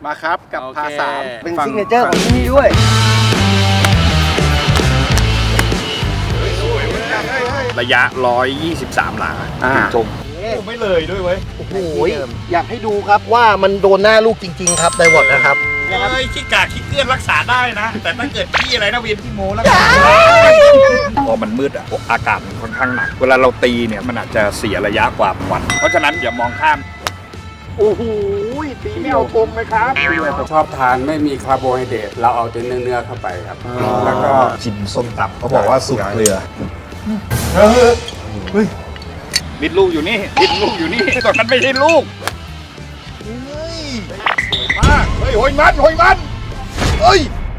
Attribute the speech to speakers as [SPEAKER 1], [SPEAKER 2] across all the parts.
[SPEAKER 1] มาครับกับพาสาม
[SPEAKER 2] เป็นซิกเนเจอร์ของที่นี่ด้วย
[SPEAKER 1] ระยะ123หลาชมไม่เลยด้วยเว้ย
[SPEAKER 2] โอ้โหอยากให้ดูครับว่ามันโดนหน้าลูกจริงๆครับไดวอร์ดนะครับ
[SPEAKER 1] ขี้กากขี้เกลื่อนรักษาได้นะแต่ถ้าเกิดขี้อะไรนะเวียนขี้โมแล้วพอมันมืดอ่ะอากาศมันค่อนข้างหนักเวลาเราตีเนี่ยมันอาจจะเสียระยะกว่าวันเพราะฉะนั้นอย่ามองข้ามโอ้โหตีไม่เอาคมเลยครับ
[SPEAKER 3] ชอบทานไม่มีคาร์โบไฮเดรตเราเอาแต่เนื้อเข้าไปครับแล้วก็
[SPEAKER 1] ชิมส้มตำเขาบอกว่าสูตรเกลือบิดลูกอยู่นี่บิดลูกอยู่นี่ตอนนั้นไม่ใช่ลูกมาเฮ้ยโหยมันเฮ้ย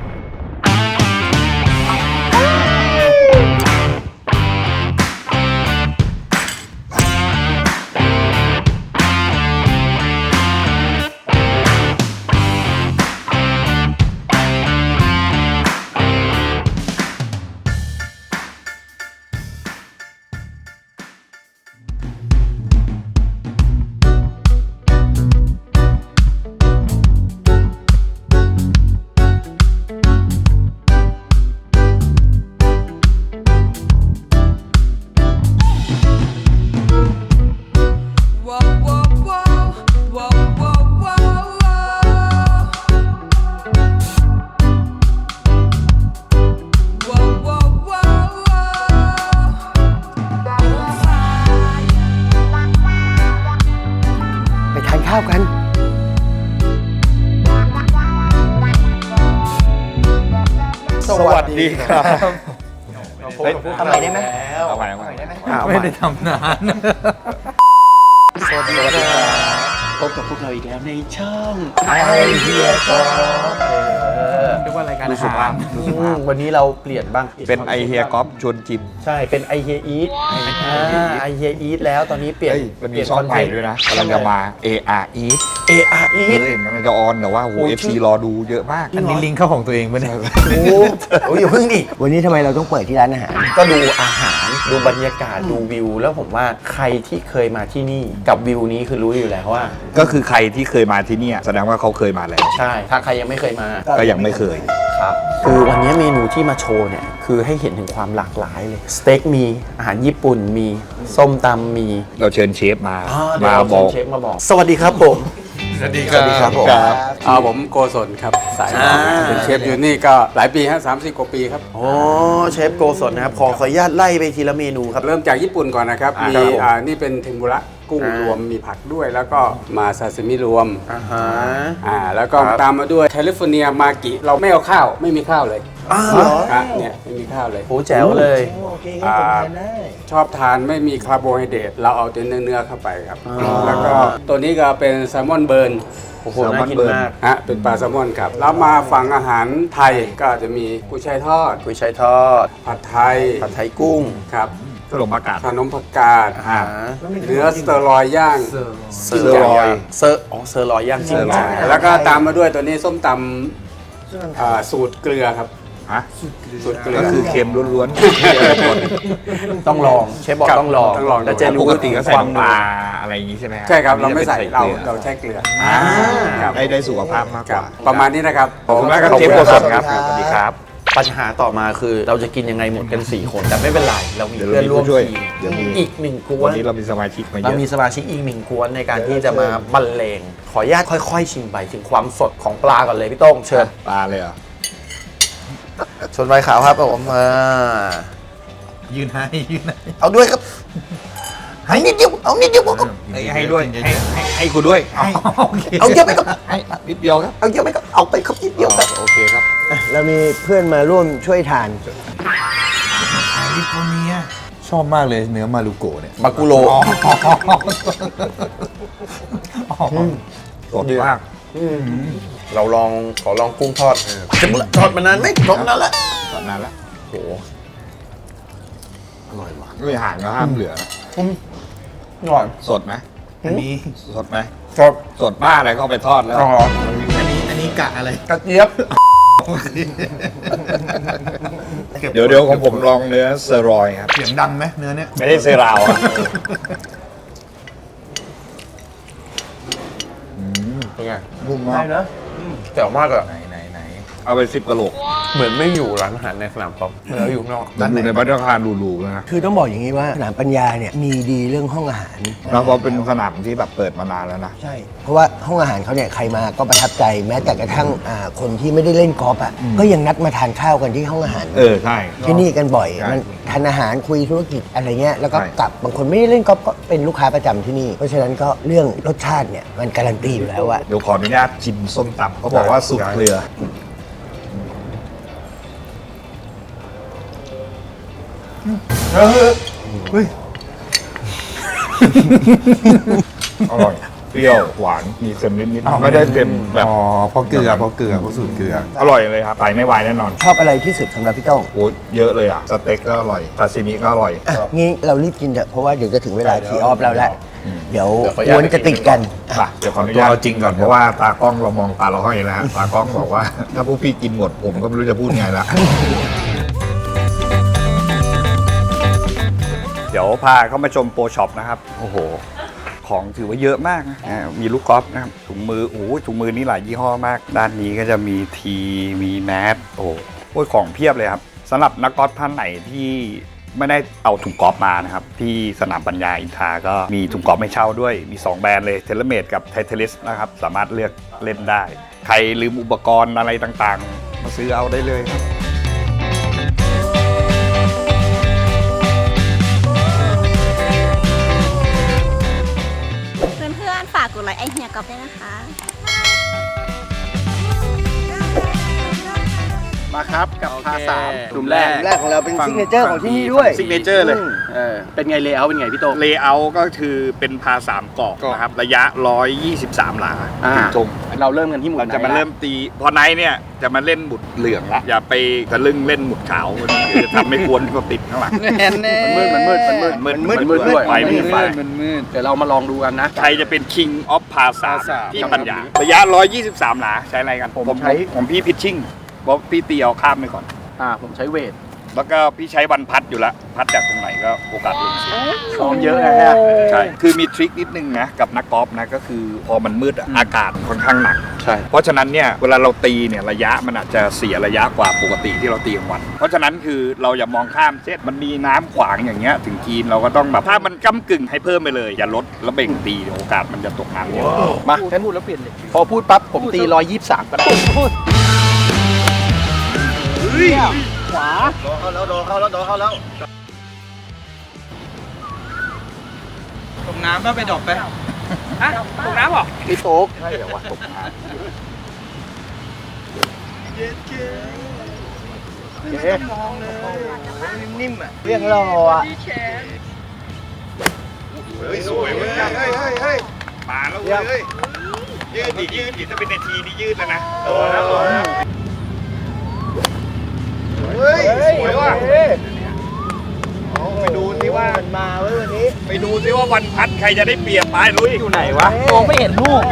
[SPEAKER 2] ไปทานข้าวกัน
[SPEAKER 1] สวัสดีครับ
[SPEAKER 2] ทำไมได้ไหม
[SPEAKER 1] เอาไปได้ไหม
[SPEAKER 4] ไม่ได้ทำนาน
[SPEAKER 2] สวัสดีครับพบกับพวกเราอีกแล้วในช่องไอเฮียก็
[SPEAKER 4] เรียกว่ารายการอาหาร
[SPEAKER 2] วันนี้เราเปลี่ยนบ้าง
[SPEAKER 1] เป็นไอเฮียก๊อฟชวนจิม
[SPEAKER 2] ใช่เป็นไอเฮียอีทไอเฮียอีทแล้วตอนนี้เปลี่ยน
[SPEAKER 1] มันมีช่องใหม่ด้วยนะกำลังจะมา AR Eat
[SPEAKER 2] AR Eat
[SPEAKER 1] มันจะออนแต่ว่าโห FC รอดูเยอะมาก
[SPEAKER 4] อันนี้ลิงก์เข้าของตัวเองปะเนี่ย
[SPEAKER 2] โอ้ยอย่าเพิ่งดิวันนี้ทำไมเราต้องเปิดที่ร้านอาหารก็ดูอาหารดูบรรยากาศดูวิวแล้วผมว่าใครที่เคยมาที่นี่กับวิวนี้คือรู้อยู่แล้วว่า
[SPEAKER 1] ก็คือใครที่เคยมาที่นี่แสดงว่าเขาเคยมาแล้ว
[SPEAKER 2] ใช่ถ้าใครยังไม่เคยมา
[SPEAKER 1] ก็ยังไม่เคย
[SPEAKER 2] ครับคือวันนี้เมนูที่มาโชว์เนี่ยคือให้เห็นถึงความหลากหลายเลยสเต็กมีอาหารญี่ปุ่นมีส้มตำมี
[SPEAKER 1] เราเชิญเชฟมา
[SPEAKER 2] บอกเชฟมาบอกสวัสดีครับผม
[SPEAKER 4] สวัสดีครับผม
[SPEAKER 3] ผมโกศลครับสายเป็นเชฟอยู่นี่ก็หลายปีฮะ30 กว่าปีครับ
[SPEAKER 2] โอ้เชฟโกศลนะครับขออนุญาตไล่ไปทีละเมนูครับ
[SPEAKER 3] เริ่มจากญี่ปุ่นก่อนนะครับมี
[SPEAKER 2] ครับผม
[SPEAKER 3] นี่เป็นเทมปุระกุ้งรวมมีผักด้วยแล้วก็มาซาซิมิรวมแล้วก็ตามมาด้วยแคลิฟอร์เนียมากิเราไม่เอาข้าวไม่มีข้าวเลยเนี่ยไม่มีข้าวเลย
[SPEAKER 2] โหแจ๋วเลย
[SPEAKER 3] ชอบทานไม่มีคาร์โบไฮเดรตเราเอาแต่เนื้อเข้าไปครับแล้วก็ตัวนี้ก็เป็นแซลมอนเบิร์น
[SPEAKER 2] โอ้โหน่ากินมาก
[SPEAKER 3] เป็นปลาแซลมอนครับแล้วมาฝั่งอาหารไทยก็จะมีกุ้ยช่ายทอด
[SPEAKER 2] กุ้ยช่ายทอด
[SPEAKER 3] ผัดไทย
[SPEAKER 2] ผัดไทยกุ้ง
[SPEAKER 3] ครับ
[SPEAKER 1] ขนมผักกาด
[SPEAKER 3] ขนมผักกาดเนื้อสเตอรอยย่าง
[SPEAKER 2] เซอร์ลอยเซอร์ลอยย่างจริงจัง
[SPEAKER 3] แล้วก็ตามมาด้วยตัวนี้ส้มตำสูตรเกลือครับสูตรเกลือ
[SPEAKER 1] ก็คือเค็มล้วน
[SPEAKER 2] ต้องลองเชฟบอกต้องลองแล้วจะ
[SPEAKER 1] ๆป
[SPEAKER 2] รู้
[SPEAKER 1] กติก็ใส่
[SPEAKER 2] ความ
[SPEAKER 1] น้ำปลาอะไรอย่างนี้ใช่ไหม
[SPEAKER 3] ใช่ครับเราไม่ใส่เราใช้เกลือ
[SPEAKER 1] ได้สุขภาพมากกว่า
[SPEAKER 3] ประมาณนี้นะครับ
[SPEAKER 1] ขอบคุณมากครับเชฟโกศลครับสวัสดีครับ
[SPEAKER 2] ปัญหาต่อมาคือเราจะกินยังไงหมดกัน4คนแต่ไม่เป็นไรเรามีเพื่อนร่วมทีมอีก1กว
[SPEAKER 1] วัน นนี้เรามีสมาชิกมาเย
[SPEAKER 2] เรา
[SPEAKER 1] อะ
[SPEAKER 2] มีสมาชิกอีก1กวนในการที่จะมาบรรเลงขออนุญาตค่อยๆชิมไปถึงความสดของปลาก่อนเลยพี่โต้งเชิญ
[SPEAKER 1] ปลาเลยเหรอ
[SPEAKER 2] ชนใบขาวครับผม
[SPEAKER 4] ยืนให้
[SPEAKER 2] เอาด้วยครับให้นิดเดียวเอานิดเดียว
[SPEAKER 1] ให้ด้วยให้คุณด้วย
[SPEAKER 2] เอาเยอะไปครับ
[SPEAKER 1] ให้นิดเดียวครับ
[SPEAKER 2] เอาเยอะไปครับเอาไปครับนิดเดียวครับ
[SPEAKER 1] โอเคครับ
[SPEAKER 2] เรามีเพื่อนมาร่วมช่วยทาน
[SPEAKER 4] ลิโกเนียชอบมากเลยเนื้อมารูโกะเนี่ย
[SPEAKER 2] มากุโร
[SPEAKER 1] สดมาก
[SPEAKER 2] เราขอลองกุ้งทอดทอดมานานไหมทอดมานานแล้ว
[SPEAKER 1] ตอนนั้นละ
[SPEAKER 2] โหอร่อยว่ะ
[SPEAKER 1] ไม่ห่างก็ห้ามเหลือ
[SPEAKER 2] อร่อย
[SPEAKER 1] สดไหม
[SPEAKER 4] อันนี้
[SPEAKER 1] สดไหม
[SPEAKER 2] สด
[SPEAKER 1] สดบ้าอะไรก็เอาไปทอดแล้ว
[SPEAKER 4] อันนี้กะอะไร
[SPEAKER 2] กระเจี๊ยบ
[SPEAKER 1] เดี๋ยวของผมลองเนื้อเซอร์รอยครับ
[SPEAKER 4] เสียงดังไหมเนื้อเนี่ย
[SPEAKER 1] ไม่ได้เซราวอะ
[SPEAKER 2] เป็นไง
[SPEAKER 1] นุ่มมาก
[SPEAKER 2] ได้นะแต่มากอะ
[SPEAKER 4] ไหน
[SPEAKER 1] เอาไป10กะโหลก
[SPEAKER 2] เหมือนไม่อยู่ร้านอาหารในสนามกอล์ฟเหมือนเราอยู่ข้างนอก
[SPEAKER 1] อยู่ในบัตรคารหรูๆนะ
[SPEAKER 5] คือต้องบอกอย่างนี้ว่าสนามปัญญาเนี่ยมีดีเรื่องห้องอาหาร
[SPEAKER 1] แล้วก็เป็นสนามที่แบบเปิดมานานแล้วนะ
[SPEAKER 5] ใช่ เพราะว่าห้องอาหารเขาเนี่ยใครมาก็ประทับใจแม้แต่กระทั่งคนที่ไม่ได้เล่นกอล์ฟอ่ะก็ยังนัดมาทานข้าวกันที่ห้องอาหาร
[SPEAKER 1] ใช่
[SPEAKER 5] ที่นี่กันบ่อย
[SPEAKER 1] ใช่
[SPEAKER 5] มันทานอาหารคุยธุรกิจอะไรเงี้ยแล้วก็
[SPEAKER 1] ใช่
[SPEAKER 5] กลับบางคนไม่ได้เล่นกอล์ฟก็เป็นลูกค้าประจำที่นี่ เพราะฉะนั้นก็เรื่องรสชาติเนี่ยมันการันตีอยู่แล้วอะ
[SPEAKER 1] เดี๋ยวขออนุญาตชิมส้มตำเขาบอกว่าสูตรเกลือ
[SPEAKER 4] เฮ้ย
[SPEAKER 1] อร่อย เปรี้ยวหวานมีเค็มนิดๆไม่ได้เค็มแบบ
[SPEAKER 4] อ๋อเพราะเกลือเพราะสูตรเกลือ
[SPEAKER 1] อร่อยเลยครับไปไม่วายแน่นอน
[SPEAKER 5] ชอบอะไรที่สุดสำหรับพี่โต้ง
[SPEAKER 1] โอ้เยอะเลยอ่ะสเต็กก็อร่อยซาซิมิก็อร่อย
[SPEAKER 5] อ่ะงี้เรารีบกินเถอะเพราะว่าเดี๋ยวจะถึงเวลาทีออฟเราแล้วเดี๋ยว
[SPEAKER 2] เดี๋ยวขออนุญาต
[SPEAKER 5] วนจะติดกัน
[SPEAKER 1] ป่ะเดี๋ยวขออนุญาต
[SPEAKER 4] เอาจริงก่อน
[SPEAKER 1] เพราะว่าตากล้องเรามองตาเราห้อยแล้วฮะตากล้องบอกว่า ถ้าพวกพี่กินหมดผมก็ไม่รู้จะพูดไงละ เดี๋ยวพาเข้ามาชมโปรช็อปนะครับโอ้โหของถือว่าเยอะมากนะมีลูกกอล์ฟนะครับถุงมือโอ้โหถุงมือนี่หลายยี่ห้อมาก ด้านนี้ก็จะมีทีมีแมสโอ้โหของเพียบเลยครับสำหรับนักกอล์ฟท่านไหนที่ไม่ได้เอาถุงกอล์ฟมานะครับที่สนามปัญญาอินทราก็มีถุงกอล์ฟให้เช่าด้วยมี2แบรนด์เลยเทเลเมดกับไทเทลิสนะครับสามารถเลือกเล่นได้ ใครลืมอุปกรณ์อะไรต่างๆ มาซื้อเอาได้เลยครับ
[SPEAKER 6] เพื่อนๆฝากกดไลค์ไอเฮียกอล์ฟด้วยนะคะ
[SPEAKER 3] มาครับกับพาสามกลุ่มแรก
[SPEAKER 5] แรกของเราเป็นซิกเนเจอร์ของที่นี่ด้วย
[SPEAKER 3] ซิกเนเจอร์เลยเป็นไงเลเยอร์เป็นไงพี่โต
[SPEAKER 1] เลเยอร์ก็คือเป็นพา3กรอบนะครับระยะ 123 หลา
[SPEAKER 3] อ่า
[SPEAKER 1] ถึงธง
[SPEAKER 3] เราเริ่มกันที่หมุด
[SPEAKER 1] เราจะมาเริ่มตีพอไนท์เนี่ยจะมาเล่นหมุดเหลืองละอย่าไปทะลึ่งเล่นหมุดขาวมันจะทำให้กวนเขาติดข้างหลัง
[SPEAKER 3] มันมืด
[SPEAKER 1] ไฟไม่มีไฟ
[SPEAKER 3] เดี๋ยวเรามาลองดูกันนะ
[SPEAKER 1] ใครจะเป็น King of พาสามที่ปัญญาระยะ 123 หลาใช้อะไรกันผมพี่พิชชิ่งเพราะพี่ตีเอาข้ามไปก่อน
[SPEAKER 3] ผมใช้เวท
[SPEAKER 1] แล้วก็พี่ใช้วันพัดอยู่ละพัดจากตรงไหนก็โอกาสลงเสีย
[SPEAKER 3] ซ้อมเยอะนะฮะ
[SPEAKER 1] ใช่ คือมีทริคนิดนึงนะกับนักกอล์ฟนะก็คือพอมันมืดอะอากาศค่อนข้างหนัก
[SPEAKER 3] ใช่
[SPEAKER 1] เพราะฉะนั้นเนี่ยเวลาเราตีเนี่ยระยะมันอาจจะเสียระยะกว่าปกติที่เราตีกลางวัน เพราะฉะนั้นคือเราอย่ามองข้ามเช่นมันมีน้ำขวางอย่างเงี้ยถึงกรีนเราก็ต้องแบบถ้ามันก้ำกึ่งให้เพิ่มไปเลยอย่าลดแล้วเบ่งตีเดี๋ยวโอกาสมันจะตกน้ำเยอะ
[SPEAKER 3] มาฉันพูดแล้วเปลี่ยนเลยพอพูดปั๊บผมตี123ก็ได้ขวา
[SPEAKER 4] ตกน้ำก็ไปดอกไป
[SPEAKER 3] ตกน้ำเหรอพี่โต๊ก
[SPEAKER 1] ใช่เดี๋ยวว่าตกน้ำ
[SPEAKER 5] นิ่มๆอ่ะเรียงรออ่ะ
[SPEAKER 1] สวยเว้ยมาแล้วเว้ยยืดดิถ้าเป็นนาทีนี่ยืดแล้วนะสวยว่ะไปดูซิว่า
[SPEAKER 5] มันมาเว้ยวันนี้
[SPEAKER 1] ไปดูซิว่าวันพัดใครจะได้เปรียบไปลุยอยู่ไหนวะ
[SPEAKER 3] มองไม่เห็นลูก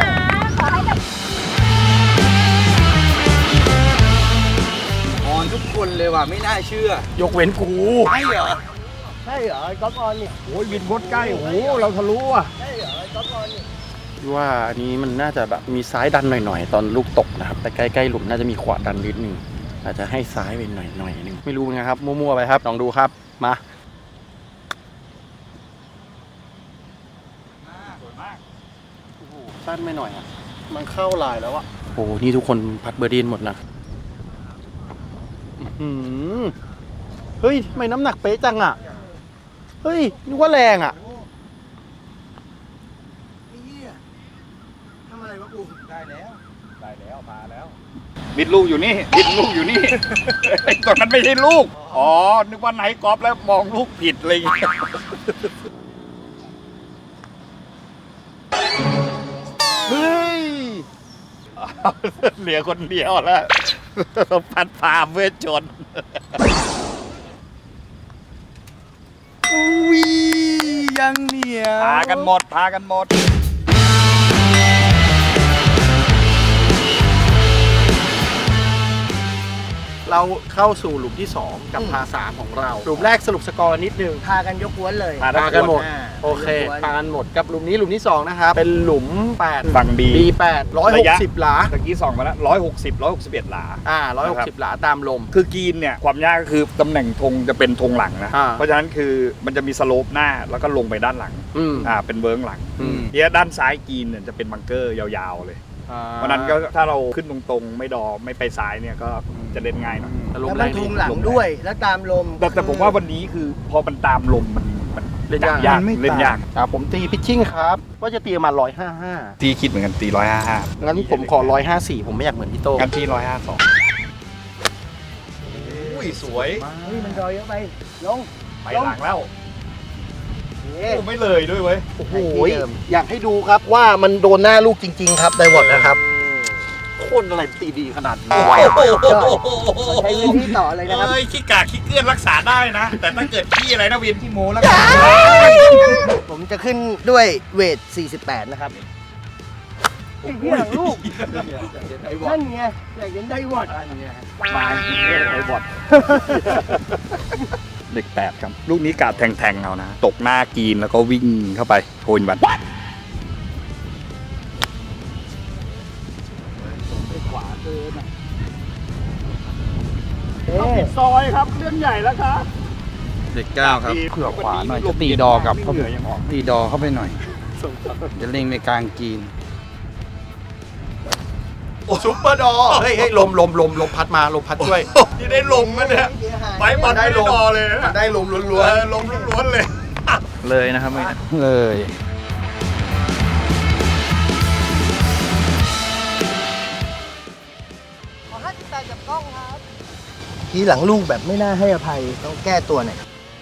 [SPEAKER 3] ออนทุกคนเลยว่ะไม่น่าเชื่อ ยกเว้นกู
[SPEAKER 5] ใช่เหรอใช่เหรอไอ้ก๊อฟออนนี่
[SPEAKER 1] โอ้ยวินโคตรใกล้โอ้เราทะลุอ่ะ
[SPEAKER 5] ใช่เหรอไอ้ก๊อฟออนนี่
[SPEAKER 3] ว่าอันนี้มันน่าจะแบบมีซ้ายดันหน่อยๆ ตอนลูกตกนะครับ แต่ใกล้ๆหลุมน่าจะมีขวาดันนิดนึงอาจจะให้ซ้ายไปหน่อยนึงไม่รู้นะครับมั่วๆไปครับลองดูครับมาสั้นไม่หน่อยอ่ะมันเข้าลายแล้วอ่ะโอ้นี่ทุกคนพัดเบอร์ดี้หมดนะเฮ้ยทำไมน้ำหนักเป๊ะจังอ่ะเฮ้ยนึกว่าแรงอ่ะ
[SPEAKER 5] ทำอะไรวะกูได้แล้ว
[SPEAKER 1] มาแล้วบิดลูกอยู่นี่บิดลูกอยู่นี่ ไอ้ตอนนั้นไม่ใช่ลูกอ๋อนึกว่าไหนกอล์ฟแล้วมองลูกผิดอะไรอย่างเงี้ยเฮ้ยเหลือคนเดียวแล้วพัดพาเวชชน
[SPEAKER 4] อุ้ยยังเหนียว
[SPEAKER 1] พากันหมด
[SPEAKER 7] เราเข้าสู่หลุมที่ 2 กับพา3ของเรา หลุมแรกสรุปสกอร์นิดนึง
[SPEAKER 5] พากันยกกวนเลย
[SPEAKER 7] พากันหมด
[SPEAKER 5] อ่า
[SPEAKER 7] โอเคพากันหมดกับหลุมนี้หลุมที่ 2 นะครับ เป็นหลุม 8
[SPEAKER 1] ฝั่ง B
[SPEAKER 7] B8 160 หลา
[SPEAKER 1] ตะกี้ส่องมาแล้ว161 หลา
[SPEAKER 7] 160 หลาตามลม
[SPEAKER 1] คือกรีนเนี่ยความยากก็คือตำแหน่งธงจะเป็นธงหลังนะ
[SPEAKER 7] อ่า
[SPEAKER 1] เพราะฉะนั้นคือมันจะมีสโลปหน้าแล้วก็ลงไปด้านหลัง
[SPEAKER 7] อืม
[SPEAKER 1] เป็นเวิร์งหลัง
[SPEAKER 7] อืม
[SPEAKER 1] เนี่ยด้านซ้ายกรีนเนี่ยจะเป็นบังเกอร์ยาวๆเลย เพราะฉะนั้นก็ถ้าเราขึ้นตรงๆไม่ดอไม่ไปซ้ายเนี่ยก็จะเล่นง่ายหน่อย
[SPEAKER 7] ลม
[SPEAKER 5] แล้ว
[SPEAKER 7] แร
[SPEAKER 5] มัน
[SPEAKER 7] ง
[SPEAKER 5] ทุ
[SPEAKER 7] ดี
[SPEAKER 5] งหลังด้วย แล้วตามลม
[SPEAKER 1] แต่ผมว่าวันนี้คือพอมันตามลมมัน
[SPEAKER 7] เล่นยาก
[SPEAKER 1] จับเล่นยาก
[SPEAKER 7] ผมตีพิชชิ่งครับว่าจะตีมา155
[SPEAKER 1] ที่คิดเหมือนกันตี155
[SPEAKER 7] งั้นผมขอ154ผมไม่อยากเหมือนพี่โต้ง
[SPEAKER 1] กันที่152อุ้ยสวย
[SPEAKER 5] เฮ้ย มันรอยเยอะไป ลง
[SPEAKER 1] ไปหลังแล้ว
[SPEAKER 5] เอ๊ะ
[SPEAKER 1] โอ้ไม่เลยด้วยเว้ย
[SPEAKER 7] โอ้โหอยากให้ดูครับว่ามันโดนหน้าลูกจริง ๆ ครับไดวอดนะครับโคตรอะไรตีดีขนาดนี้
[SPEAKER 5] ใช้พื้นที่ต่อเลยนะครับ
[SPEAKER 1] เอ้ยขี้กากขี้เกลื่อนรักษาได้นะ แต่ถ้าเกิดขี้อะไรนะวินที่โมแล้วกัน
[SPEAKER 5] ผมจะขึ้นด้วยเวท 48 นะครับไอ้เหี้ยลูกนั่นไงอยากเห็นไดวอด
[SPEAKER 1] มาไอ้บอดเด็ก8ครับ ลูกนี้กาดแทงๆเอานะ ตกหน้ากรีนแล้วก็วิ่งเข้าไปโทนบัตซอยครับเรื่องใหญ่แล้วครับ
[SPEAKER 3] เด็ก9ครับเผื่อขวาหน่อยจะตีดอกับเข้าไปตีดอเข้าไปหน่อยจะเล็งไปกลางกรีน
[SPEAKER 7] ซุปเปอร์ดอเฮ้ยลมพัดมาลมพัดช่วย
[SPEAKER 1] ที่ได้ลมนะเนี่ยไปบอลได้ลมเลยนะ
[SPEAKER 7] ได้ลมล้วน
[SPEAKER 1] ลมล้วนๆเลย
[SPEAKER 3] เลยนะครับเลย
[SPEAKER 5] ขอ 58 กับกล้องครับ ทีหลังลูกแบบไม่น่าให้อภัย ต้องแก้ตัวหน่อย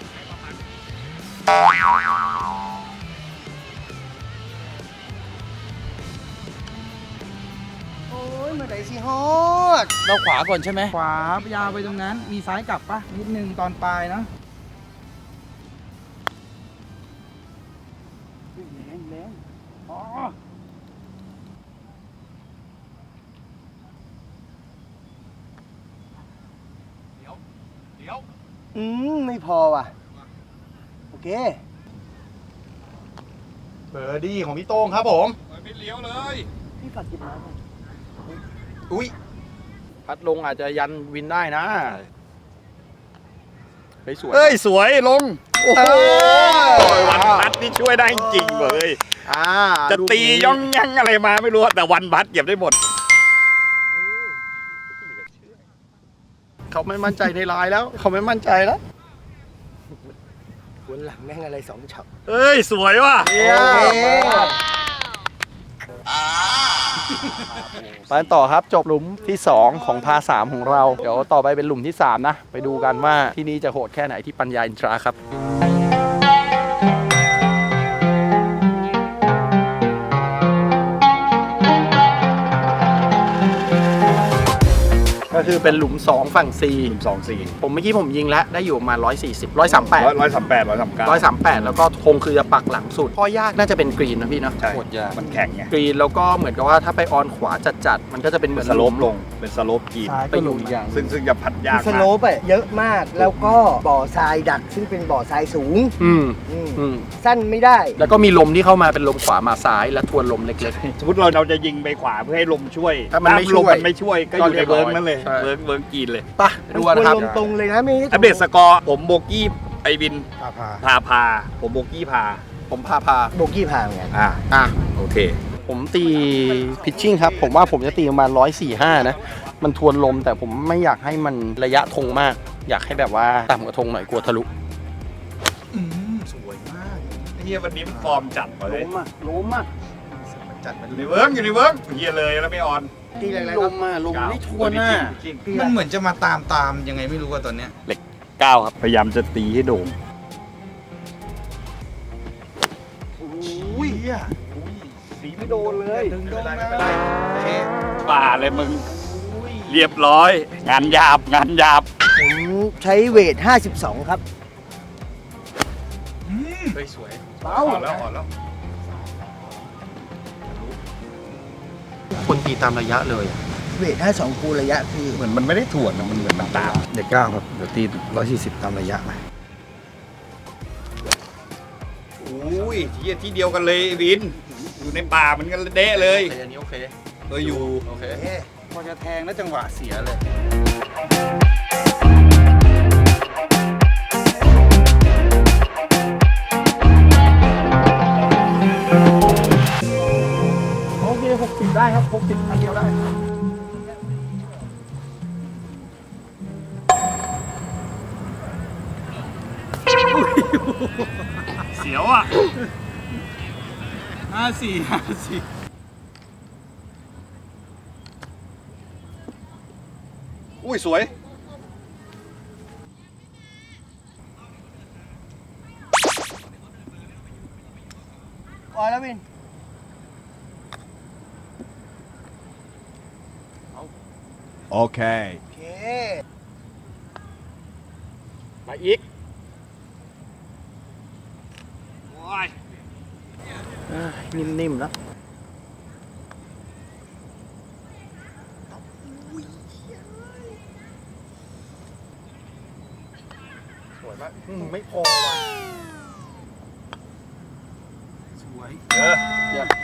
[SPEAKER 5] โอ้ยเมื่อไหร่สิฮอด
[SPEAKER 3] เราขวาก่อนใช่ไหมขวายาวไปตรงนั้นมีซ้ายกลับปะนิดนึงตอนปลายนะ
[SPEAKER 5] ไม่พอว่ะ โอเค
[SPEAKER 7] เบอร์ดี้ของพี่โต้งครับผม
[SPEAKER 1] ไม่เลี้ยวเลย
[SPEAKER 5] พี่ฝากกินน้ำหน่อย
[SPEAKER 7] อุ้ยพัดลงอาจจะยันวินได้นะไปสวย
[SPEAKER 1] เอ้ยสวยลง โอ้โหวันพัดนี่ช่วยได้จริงๆเลย จะตีย่องยังอะไรมาไม่รู้แต่วันพัดเก็บได้หมด
[SPEAKER 7] เขาไม่มั่นใจในลายแล้ว เขาไม่มั่นใจแล้ว
[SPEAKER 5] วนหลังแม่งอะไร2ช็อต
[SPEAKER 1] เอ้ยสวยว่ะ
[SPEAKER 7] ไปต่อครับจบหลุมที่ 2 ของพา3ของเรา เดี๋ยวต่อไปเป็นหลุมที่ 3 นะ ไปดูกันว่าที่นี่จะโหดแค่ไหนที่ปัญญาอินทราครับ ก็คือเป็นหลุม 2 ฝั่ง C
[SPEAKER 1] 2-4
[SPEAKER 7] ผมเมื่อกี้ผมยิงแล้วได้อยู่ประมาณ140 138
[SPEAKER 1] 138
[SPEAKER 7] 138 แล้วก็ธงคือจะปักหลังสุดข้อยากน่าจะเป็นกรีนนะพี่เนาะ
[SPEAKER 1] ใช่มันแข็งไง
[SPEAKER 7] กรีนแล้วก็เหมือนกับว่าถ้าไปออนขวาจัดๆมันก็จะเป็นเหมือน
[SPEAKER 1] สโลปลงเป็นสโลปกีน
[SPEAKER 7] ไปอยู่อีกอย่าง
[SPEAKER 1] ซึ่งจะพัดยาก
[SPEAKER 5] ส
[SPEAKER 1] มา
[SPEAKER 5] โล
[SPEAKER 1] ก
[SPEAKER 5] ปอะเยอะมาก แล้วก็บ่อทรายดัก ซึ่งเป็นบ่อทรายสูง
[SPEAKER 7] อืม
[SPEAKER 5] อืม
[SPEAKER 7] อืม
[SPEAKER 5] สั้นไม่ได้
[SPEAKER 7] แล้วก็มีลมที่เข้ามาเป็นลมขวามาซ้ายและทวนลมเล็ก
[SPEAKER 1] สมมติเราจะยิงไปขวาเพื่อให้ลมช่วย
[SPEAKER 7] ถ้ามันไม่ช่วย
[SPEAKER 1] ลมมันไม่ช่วยก็อยู่ในเวิร์กนั่นเลย
[SPEAKER 7] ใช่
[SPEAKER 1] เวิร์กกีนเลย
[SPEAKER 7] ๆป่ะดูกันนะครับ
[SPEAKER 5] ลมตรงเลยนะไม่ใช่
[SPEAKER 1] อัปเดตสกอร์ผมโบกี้ไอวิน พาผมโบกี้พา
[SPEAKER 7] ผมพา
[SPEAKER 5] โบกี้พาเหมือนกัน
[SPEAKER 7] อ่ะ
[SPEAKER 1] โอเค
[SPEAKER 7] ผมตีพิชชิ่งครับ ผมว่าผมจะตีประมาณ145 นะ มันทวนลมแต่ผมไม่อยากให้มันระยะธงมาก อยากให้แบบว่าต่ำกว่าธงหน่อยกลัวทะลุ
[SPEAKER 1] สวยมากเฮียวันนี้มันฟอร์มจัดเลย
[SPEAKER 7] ลมอ่ะ
[SPEAKER 1] อยู่ในเวิร์กเฮียเลยแล้วไม่ออน
[SPEAKER 5] ตีอะไร
[SPEAKER 7] ล
[SPEAKER 5] ครับ
[SPEAKER 7] มไม่ทวนอ่ะ
[SPEAKER 4] มันเหมือนจะมาตามยังไงไม่รู้ว่าตอนเนี้ย
[SPEAKER 1] 9ครับพยายามจะตีให้โด่ง
[SPEAKER 7] อุ้ยสีไม่โดนเลย
[SPEAKER 4] ไม่เป็นไร
[SPEAKER 1] ป่าเลยมึงเรียบร้อย งานหยาบ
[SPEAKER 5] ผมใช้เวท 52 ครับ
[SPEAKER 7] สวย
[SPEAKER 1] อ่อนแล้ว
[SPEAKER 7] คนตีตามระยะเลย
[SPEAKER 5] มเวท52คูณระยะคือ
[SPEAKER 1] เหมือนมันไม่ได้ถ่วนนะมันเหมือนมันตาม
[SPEAKER 4] เด็กเก้าครับ เดี๋ยวตี140ตามระยะไป
[SPEAKER 1] อุ้ยที่เดียวกันเลยวิน อยู่ในป่าเหมือนกันเดะเลย
[SPEAKER 7] อันนี้โอเค
[SPEAKER 1] อยู่
[SPEAKER 7] โอเค
[SPEAKER 4] พอจะแทงแล้วจังหวะเสียเลย
[SPEAKER 7] โอเค60ได้ครับ60อันเดียวได้
[SPEAKER 1] เสียวอ่ะ อุ้ยสวย
[SPEAKER 5] ปล่อยแล้ววิน
[SPEAKER 1] โอเค
[SPEAKER 5] โอเค
[SPEAKER 7] มาอีก นิ่มๆแล้วสวยมากไม่พอว่ะสวยเยี่ยม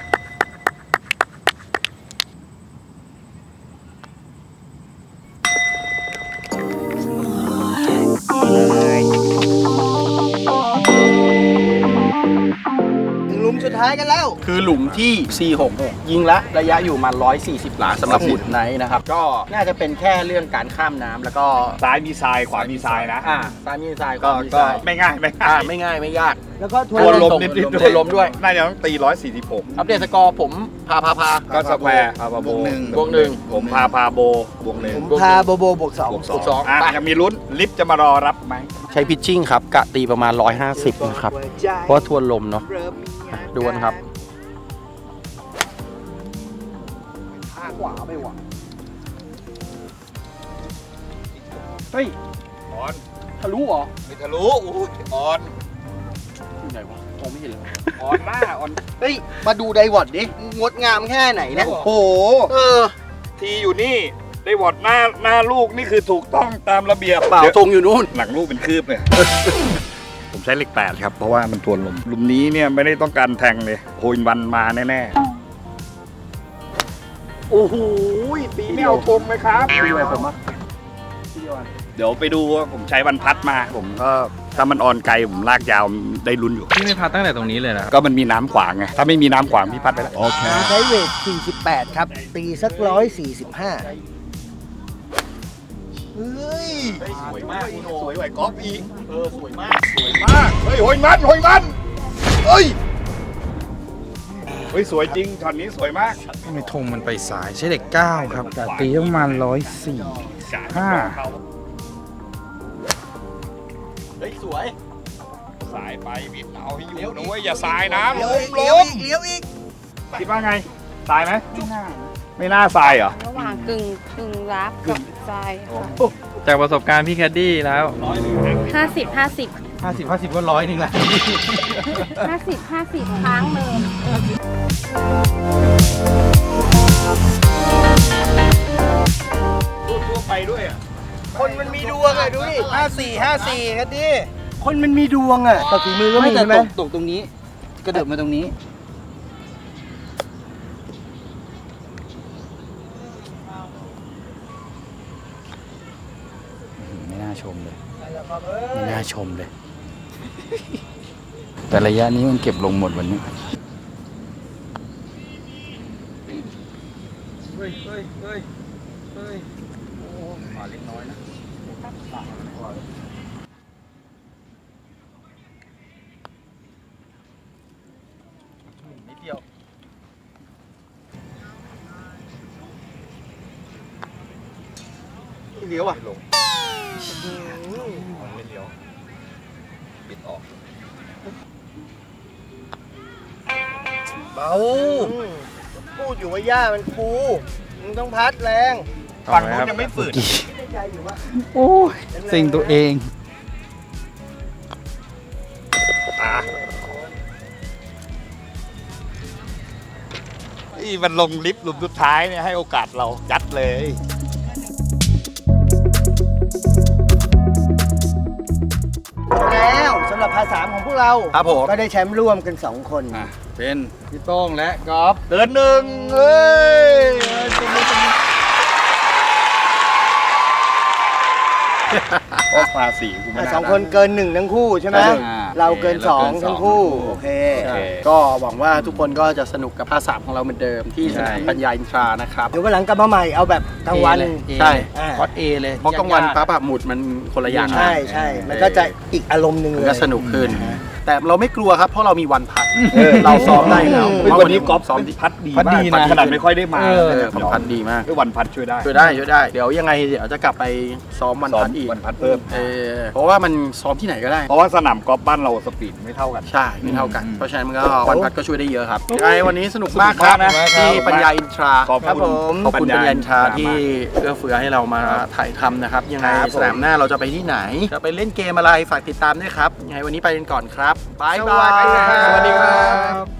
[SPEAKER 5] ถึงหลุมสุดท้ายกันแล้ว
[SPEAKER 7] คือหลุมที่ 466 ยิงละระยะอยู่มา140 หลาสำหรับหุ่นไนท์นะครับ ก็น่าจะเป็นแค่เรื่องการข้ามน้ำแล้วก็
[SPEAKER 1] ซ้ายมีทรายขวามีทรายนะ
[SPEAKER 7] ซ้ายมีทราย
[SPEAKER 1] ก็
[SPEAKER 7] ขวามี
[SPEAKER 1] ก็
[SPEAKER 7] ทราย
[SPEAKER 1] ไม่ง่ายไม่ง่าย
[SPEAKER 7] ไม่ง่ายไม่ยาก
[SPEAKER 5] แล้วก็ท
[SPEAKER 1] ท
[SPEAKER 5] ว
[SPEAKER 1] วน นลม
[SPEAKER 7] ตรง
[SPEAKER 1] นิดๆ
[SPEAKER 7] ทวนลมด้วย
[SPEAKER 1] น่าจะต้องตี146
[SPEAKER 7] อัปเดตสกอร์ผมพา
[SPEAKER 1] ก็สแควร์พาพาโบบ
[SPEAKER 4] วกหนึ่ง
[SPEAKER 7] บวกหนึ่ง
[SPEAKER 1] ผมพาพาโบบวกหนึ่ง
[SPEAKER 5] ผมพาโบโบบวก
[SPEAKER 1] บวก
[SPEAKER 5] 2
[SPEAKER 1] สอง
[SPEAKER 7] สอง
[SPEAKER 1] อ่ะ
[SPEAKER 7] ไป
[SPEAKER 1] ยังมีลุ้นลิฟต์จะมารอรับไหม
[SPEAKER 7] ใช้พิชชิ่งครับ กะตีประมาณ 150 นะครับ เพราะว่าทวนลมเนาะดูกันครับขวาไปว่ะเฮ้ย
[SPEAKER 1] ออน
[SPEAKER 7] ทะลุเหรอ
[SPEAKER 1] ไม่ทะลุอุ้ยออน
[SPEAKER 7] อยู่ไหนวะมองไม่เห็นเลย
[SPEAKER 1] ออนหน้าออน
[SPEAKER 5] เฮ้ย มาดูไดวอดดิ งดงามแค่ไหนเนี่ย
[SPEAKER 1] โอ้โห
[SPEAKER 5] เออ
[SPEAKER 1] ทีอยู่นี่ได้วอดหน้าลูกนี่คือถูกต้องตามระเบียบ
[SPEAKER 7] เปล่า
[SPEAKER 1] ดี๋ยว
[SPEAKER 7] ทรงอยู่นู่น
[SPEAKER 1] หลังลูกเป็นคืบเนี่ย ผมใช้เลข8ครับ เพราะว่ามันทวนลมหลุมนี้เนี่ยไม่ได้ต้องการแทงเลยโฮยวันมาแน่
[SPEAKER 7] โอ้โหปี
[SPEAKER 1] ๆไม่
[SPEAKER 7] เดียว
[SPEAKER 1] เอาตรงเลยครับ
[SPEAKER 7] ปีเดียวผมว่า
[SPEAKER 1] เดี๋ยวไปดูว่าผมใช้วันพัดมา ผมก็ถ้ามันออนไกลผมลากยาวได้ลุ้นอยู่
[SPEAKER 8] พี่ไม่พัดตั้งแต่ตรงนี้เลยนะ
[SPEAKER 1] ก็มันมีน้ำขวางไง ถ้าไม่มีน้ำขวางพี่พัดไปแล้ว โอเค
[SPEAKER 5] ใช้เวท 48 ครับ ตีสัก 145 เฮ้ย
[SPEAKER 1] สวยมากสวยกว่ากอล์ฟอีก
[SPEAKER 7] สวยมาก
[SPEAKER 1] สวยมาก เฮ้ยโหยมันเฮ้ย เฮ้ยสวยจริงช็อตนี้สวยมาก
[SPEAKER 4] ทำไมธงมันไปสายใช้เด็ก9ครับแต่ตีประมาณ104 5
[SPEAKER 7] เฮ้ยสวย
[SPEAKER 1] สายไปวิทย์เอาให้อยู่นะเว้ยอย่าสายนะ
[SPEAKER 5] เลี้ยว
[SPEAKER 1] ล
[SPEAKER 5] อีกเลี้ยว
[SPEAKER 1] ม
[SPEAKER 5] อีกเลี้ยวอีก
[SPEAKER 1] คิดว่าไงสายไหมไม่น่าสายเหรอ
[SPEAKER 6] ระหว่างกึ่งรับกับทราย
[SPEAKER 8] จากประสบการณ์พี่แคดดี้แล้ว
[SPEAKER 6] 50
[SPEAKER 8] 50ก็100นึงแหละ
[SPEAKER 6] ค้างเลย
[SPEAKER 1] ทั่วไปด้วยอ่ะ
[SPEAKER 5] คนมันมีดวงอ่ะ ดูดิ 54ครับดิคนมันมีดวงอ่ะแต่ฝีมือก็มีใช่ไหม
[SPEAKER 9] ตกตรงนี้ กระเดิบมาตรงนี้ ไม่น่าชมเลย ไม่น่าชมเลย แต่ระยะนี้มันเก็บลงหมดวันนี้
[SPEAKER 7] นิดเดียว เลี้ยวอ่ะ
[SPEAKER 1] ไม่เลี้ยวปิดออก
[SPEAKER 5] เบาพูดอยู่ว่าหญ้ามันฟูมึงต้องพัดแรง
[SPEAKER 1] ฝั่งนู้นยังไม่ฝืน
[SPEAKER 9] โอ้ยเซ็งตัวเอง
[SPEAKER 1] อ่ะ
[SPEAKER 5] อี
[SPEAKER 1] มันลงลิฟต์หลุมสุดท้ายเนี่ยให้โอกาสเรายัดเลย
[SPEAKER 5] แล้วสำหรับภาษาของพวกเรา
[SPEAKER 7] ครับผม
[SPEAKER 5] ก็ได้แชมป์ร่วมกัน 2 คน
[SPEAKER 9] เป็นพี่โต้งและกอล์ฟ
[SPEAKER 1] เกินหนึ่งเฮ้ยโอ้ภาษีกูไม่
[SPEAKER 5] สองคนเกิน 1 ทั้งคู่ใช่ไหม
[SPEAKER 9] อ่า
[SPEAKER 5] เราเกิน 2 ทั้งคู่ โอเค
[SPEAKER 7] ก็หวังว่าทุกคนก็จะสนุกกับภาษาของเราเหมือนเดิมที่สนามปัญญาอินทรานะครับ
[SPEAKER 5] เดี๋ยววันหลังกลับมาใหม่เอาแบบกลางวัน
[SPEAKER 7] ใช่
[SPEAKER 5] อ่า
[SPEAKER 7] คอสเอเลยเพราะกลางวันฟ้าผ่าหมุดมันคนละอย่าง
[SPEAKER 5] ใช่ใช่มันก็จะอีกอารมณ์หนึ่ง
[SPEAKER 7] มัน
[SPEAKER 5] เลย
[SPEAKER 7] ก็สนุกขึ้น แต่เราไม่กลัวครับเพราะเรามีวันพักเราซ้อมได้แล้ว
[SPEAKER 1] เฮ้ยวันนี้กอล์ฟ
[SPEAKER 7] ซ้อมดี
[SPEAKER 1] พัดดี
[SPEAKER 9] พัด
[SPEAKER 1] มาก
[SPEAKER 9] ดีนะ
[SPEAKER 1] ขนาดไม่ค่อยได้มา
[SPEAKER 7] ผมพัดดีมาก
[SPEAKER 1] ด้วยวันพัดช่วยได้
[SPEAKER 7] ช่วยได้ เดี๋ยวยังไงเดี๋ยวจะกลับไปซ้อมวันพัดอีก
[SPEAKER 1] วันพัดเพิ่ม
[SPEAKER 7] เพราะว่ามันซ้อมที่ไหนก็ได้
[SPEAKER 1] เพราะว่าสนามกอล์ฟบ้านเราสปีดไม่เท่ากัน
[SPEAKER 7] ใช่ไม่เท่ากัน เพราะฉะนั้นมันก็วันพัดก็ช่วยได้เยอะครับยังไงวันนี้สนุกมากครับ
[SPEAKER 1] สนุกมากนะ
[SPEAKER 7] ที่ปัญญาอินทรา
[SPEAKER 1] ขอบคุณ
[SPEAKER 7] ขอบคุณปัญญาอินทรา
[SPEAKER 1] ปัญญา
[SPEAKER 7] ที่เอื้อเฟื้อให้เรามาถ่ายทำนะครับ ยังไงสนามหน้าเราจะไปที่ไหน จะไปเล่นเกมอะไรฝากติดตามด้วยครับยังไงวันนี้ไปกันก่อนครับบ๊ายบาย
[SPEAKER 1] สวัสดีครับ